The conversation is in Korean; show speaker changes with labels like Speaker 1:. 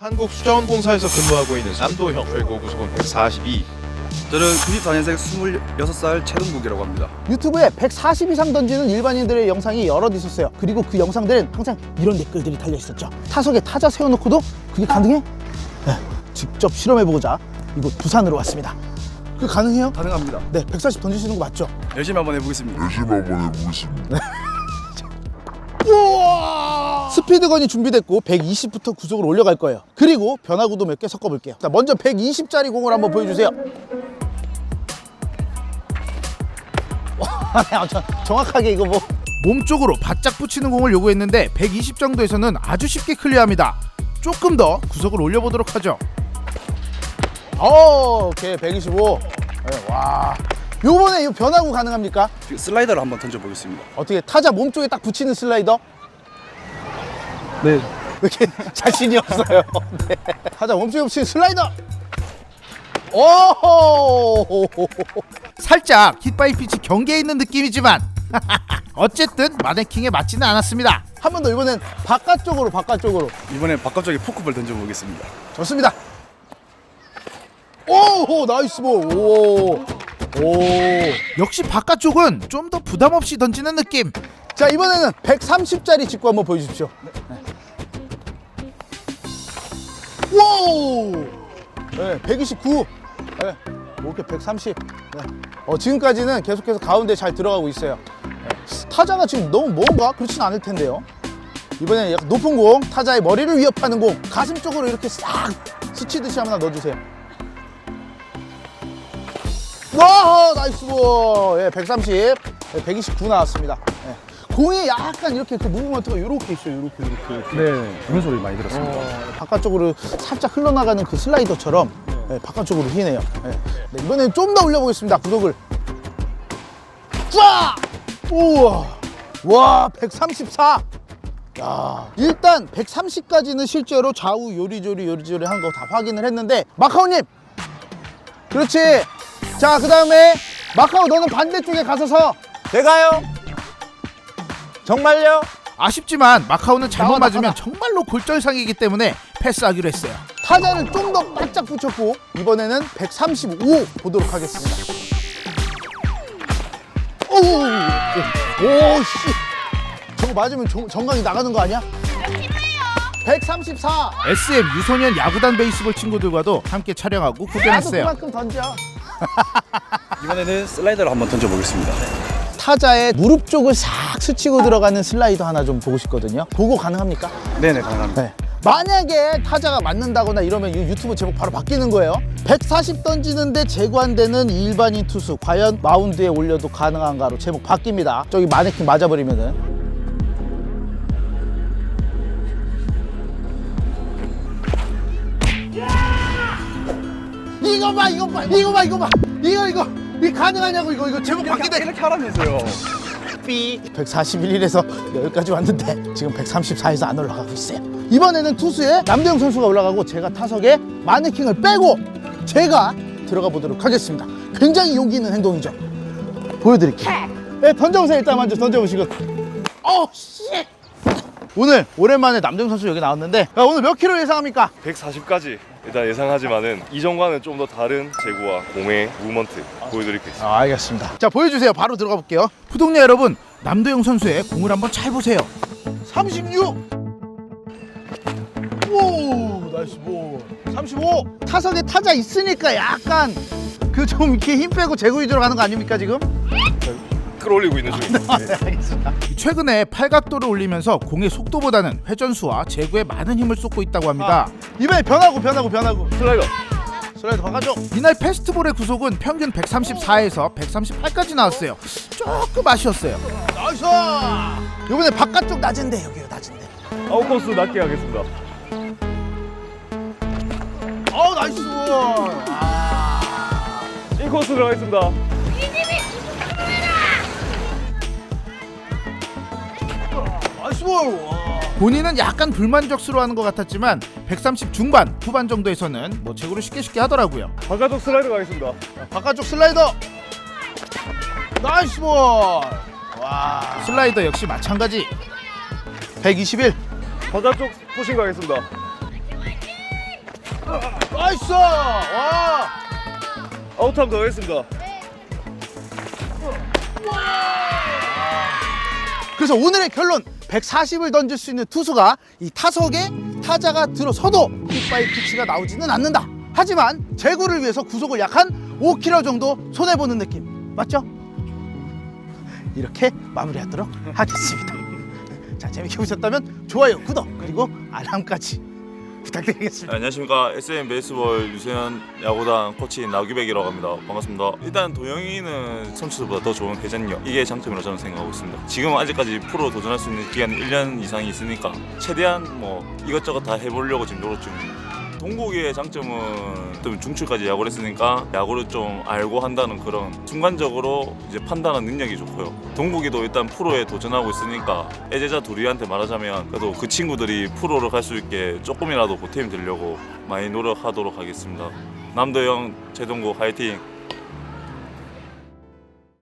Speaker 1: 한국수자원공사에서 근무하고 있는 남도형. 최고 구속은 142.
Speaker 2: 저는 94년생 26살 최동국이라고 합니다.
Speaker 3: 유튜브에 140 이상 던지는 일반인들의 영상이 여럿 있었어요. 그리고 그 영상들은 항상 이런 댓글들이 달려 있었죠. 타석에 타자 세워놓고도 그게 가능해? 네, 직접 시험해보고자 이곳 부산으로 왔습니다. 그게 가능해요?
Speaker 2: 가능합니다.
Speaker 3: 네, 140 던지시는 거 맞죠?
Speaker 2: 열심히 한번 해보겠습니다.
Speaker 3: 우와! 스피드건이 준비됐고 120부터 구속을 올려갈 거예요. 그리고 변화구도 몇 개 섞어볼게요. 자, 먼저 120짜리 공을 한번 보여주세요. 와, 정확하게 이거 뭐
Speaker 4: 몸쪽으로 바짝 붙이는 공을 요구했는데 120 정도에서는 아주 쉽게 클리어합니다. 조금 더 구속을 올려보도록 하죠.
Speaker 3: 오케이 125. 네, 와, 요번에 이 변화구 가능합니까?
Speaker 2: 슬라이더를 한번 던져보겠습니다.
Speaker 3: 어떻게 타자 몸쪽에 딱 붙이는 슬라이더?
Speaker 2: 네.
Speaker 3: 이렇게 자신이 없어요. 네. 타자 몸쪽에 붙이는 슬라이더. 오!
Speaker 4: 살짝 힛바이 피치 경계에 있는 느낌이지만 어쨌든 마네킹에 맞지는 않았습니다.
Speaker 3: 한 번 더 이번엔 바깥쪽으로.
Speaker 2: 이번엔 바깥쪽에 포크볼 던져보겠습니다.
Speaker 3: 좋습니다. 오, 나이스 볼. 오.
Speaker 4: 역시 바깥쪽은 좀 더 부담 없이 던지는 느낌.
Speaker 3: 자, 이번에는 130짜리 직구 한번 보여주십시오. 오! 네, 129. 네, 이렇게 130. 네. 지금까지는 계속해서 가운데 잘 들어가고 있어요. 네. 타자가 지금 너무 먼가? 그렇진 않을 텐데요. 이번에는 약간 높은 공, 타자의 머리를 위협하는 공, 가슴 쪽으로 이렇게 싹 스치듯이 하나 넣어주세요. 와, 나이스 볼. 예, 130, 예, 129 나왔습니다. 예. 공이 약간 이렇게 그 무브먼트가 이렇게 있어요. 이렇게.
Speaker 2: 네. 그런 소리 많이 들었습니다.
Speaker 3: 바깥쪽으로 살짝 흘러나가는 그 슬라이더처럼 예, 바깥쪽으로 휘네요. 예. 네, 이번엔 좀 더 올려보겠습니다. 구속을. 쫙! 우와! 와, 134! 야, 일단 130까지는 실제로 좌우 요리조리 하는 거 다 확인을 했는데, 마카오님! 그렇지! 자, 그 다음에 마카오 너는 반대쪽에 가서서.
Speaker 1: 제가요? 정말요?
Speaker 4: 아쉽지만 마카오는 잘못
Speaker 3: 나와.
Speaker 4: 맞으면 정말로 골절상이기 때문에 패스하기로 했어요.
Speaker 3: 타자를 좀 더 바짝 붙였고, 이번에는 135 보도록 하겠습니다. 오, 씨. 저거 맞으면 정강이 나가는 거 아니야? 134.
Speaker 4: SM 유소년 야구단 베이스볼 친구들과도 함께 촬영하고
Speaker 3: 나도
Speaker 4: 구경했어요.
Speaker 3: 그만큼 던져.
Speaker 2: 이번에는 슬라이더를 한번 던져보겠습니다.
Speaker 3: 타자의 무릎 쪽을 싹 스치고 들어가는 슬라이더 하나 좀 보고 싶거든요. 그거 가능합니까?
Speaker 2: 네네, 가능합니다.
Speaker 3: 네. 만약에 타자가 맞는다거나 이러면 이 유튜브 제목 바로 바뀌는 거예요. 140 던지는데 제구 안 되는 일반인 투수, 과연 마운드에 올려도 가능한가로 제목 바뀝니다. 저기 마네킹 맞아버리면은. 이거 봐. 이거 가능하냐고. 이거 제목 바뀌네.
Speaker 2: 이렇게 하라면서요.
Speaker 3: 141에서 여기까지 왔는데 지금 134에서 안 올라가고 있어요. 이번에는 투수에 남대영 선수가 올라가고 제가 타석에 마네킹을 빼고 제가 들어가 보도록 하겠습니다. 굉장히 용기 있는 행동이죠. 보여드릴게요. 네, 던져보세요. 일단 먼저 던져보시고. 씨. 오늘 오랜만에 남대영 선수 여기 나왔는데, 야, 오늘 몇 킬로 예상합니까?
Speaker 5: 140까지 일단 예상하지만은 이전과는 좀 더 다른 제구와 공의 무브먼트 보여드리겠습니다.
Speaker 3: 알겠습니다. 자, 보여주세요. 바로 들어가 볼게요.
Speaker 4: 구독자 여러분, 남도영 선수의 공을 한번 잘 보세요.
Speaker 3: 36. 오, 나이스 볼. 35. 타석에 타자 있으니까 약간 그 좀 이렇게 힘 빼고 제구 위주로 가는 거 아닙니까 지금?
Speaker 5: 끌어올리고 있는 중입니다. 네.
Speaker 3: 알겠습니다.
Speaker 4: 최근에 팔각도를 올리면서 공의 속도보다는 회전수와 제구에 많은 힘을 쏟고 있다고 합니다.
Speaker 3: 이번에 변화구. 슬라이더 바꿔줘.
Speaker 4: 이날 페스트볼의 구속은 평균 134에서 138까지 나왔어요. 조금 아쉬웠어요.
Speaker 3: 나이스. 이번에 바깥쪽 낮은데 여기요, 낮은데.
Speaker 5: 아웃코스 낮게 하겠습니다.
Speaker 3: 나이스.
Speaker 5: 인코스 들어가겠습니다.
Speaker 3: 나이스 볼.
Speaker 4: 본인은 약간 불만족스러워하는 것 같았지만 130 중반, 후반 정도에서는 뭐 제구를 쉽게 하더라고요.
Speaker 5: 바깥쪽 슬라이더 가겠습니다.
Speaker 3: 바깥쪽 슬라이더. 나이스 볼. 와.
Speaker 4: 슬라이더 역시 마찬가지.
Speaker 3: 121.
Speaker 5: 바깥쪽 푸싱 가겠습니다.
Speaker 3: 나이스. 와.
Speaker 5: 아웃하면 더 하겠습니다.
Speaker 3: 그래서 오늘의 결론 140을 던질 수 있는 투수가 이 타석에 타자가 들어서도 킥바이 피치가 나오지는 않는다. 하지만 제구를 위해서 구속을 약 한 5km 정도 손해보는 느낌 맞죠? 이렇게 마무리하도록 하겠습니다. 자, 재밌게 보셨다면 좋아요, 구독 그리고 알람까지 부탁드리겠습니다.
Speaker 6: 안녕하십니까. SM 베이스볼 유소년 야구단 코치인 나규백이라고 합니다. 반갑습니다. 일단 도영이는 선수들보다 더 좋은 회전력, 이게 장점이라고 저는 생각하고 있습니다. 지금은 아직까지 프로 도전할 수 있는 기간이 1년 이상이 있으니까 최대한 뭐 이것저것 다 해보려고 지금 노력 중입니다. 동국이의 장점은 좀 중추까지 야구를 했으니까 야구를 좀 알고 한다는 그런 순간적으로 이제 판단하는 능력이 좋고요. 동국이도 일단 프로에 도전하고 있으니까 애제자 둘이한테 말하자면 그래도 그 친구들이 프로를 갈 수 있게 조금이라도 보탬이 되려고 많이 노력하도록 하겠습니다. 남도영, 최동국 화이팅!